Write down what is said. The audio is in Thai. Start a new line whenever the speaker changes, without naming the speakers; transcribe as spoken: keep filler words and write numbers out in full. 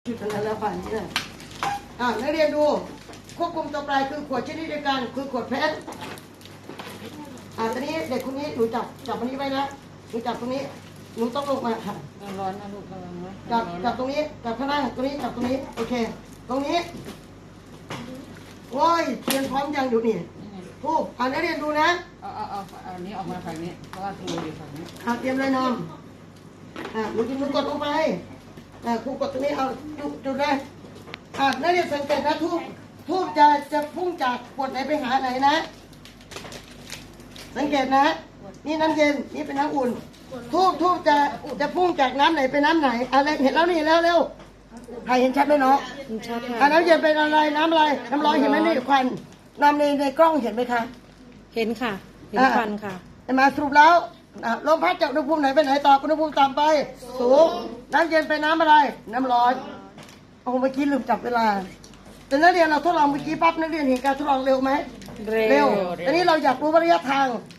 จุดนั้นแล้วผ่านนี่นะอ่านักเรียนดูควบคุมตัวปลายคือขวดชนิดเดียวกันคือขวดเพชรอ่าตอนนี้เด็กคนนี้หนูจับจับอันนี้ไว้นะหนูจับตรงนี้หนูต้องลงมาค่ะ
ร้อนนะลูกระวังนะ
จับจับตรงนี้จับข้างหน้าตรงนี้จับตรงนี้โอเค ตรงนี้โอ้ยเทียนพร้อมยังอยู่นี่ทูบอ่านักเรียนดูนะ
เอาเอาเอาเอาอันนี้ออกมาฝั่งนี้เพราะว่าครูอยู่ฝั่งนี้
อ่าเตรียมเลยน้องอ่าหนูกินมือกดลงไปอ่าครูกดตรงนี้เอาจุดจุดเลยอ่านักเรียนสังเกตนะทูบทูบจะจะพุ่งจากขวดไหนไปหาไหนนะ สังเกตนะ นี่น้ำเย็นนี่เป็นน้ำอุ่นทูบทูบจะจะพุ่งจากน้ำไหนไปน้ำไหนอะไรเห็นแล้วนี่แล้วเร็วใครเห็นชัดไหมเนาะ
ชัด
อ่า
ค่ะ
น้ำเย็นเป็นอะไรน้ำอะไรน้ำร้อนเห็นไหมนี่ควันน้ำในในกล้องเห็นไหมคะ
เห็นค่ะ เห็นควันค่ะ
เห็นไหมาสรุปแล้วอ่ะลมพัดจากอุณหภูมิไหนไปไหนต่ออุณหภูมิต่ำไปสูงน้ำเย็นไปน้ำอะไร น้ำร้อนโอ้เมื่อกี้ลืมจับเวลาแต่นักเรียนเราทดลองเมื่อกี้ปั๊บนักเรียนเห็นการทดลองเร็วไหม
เร็ว
ตอนนี้เราอยากรู้ว่าระยะทาง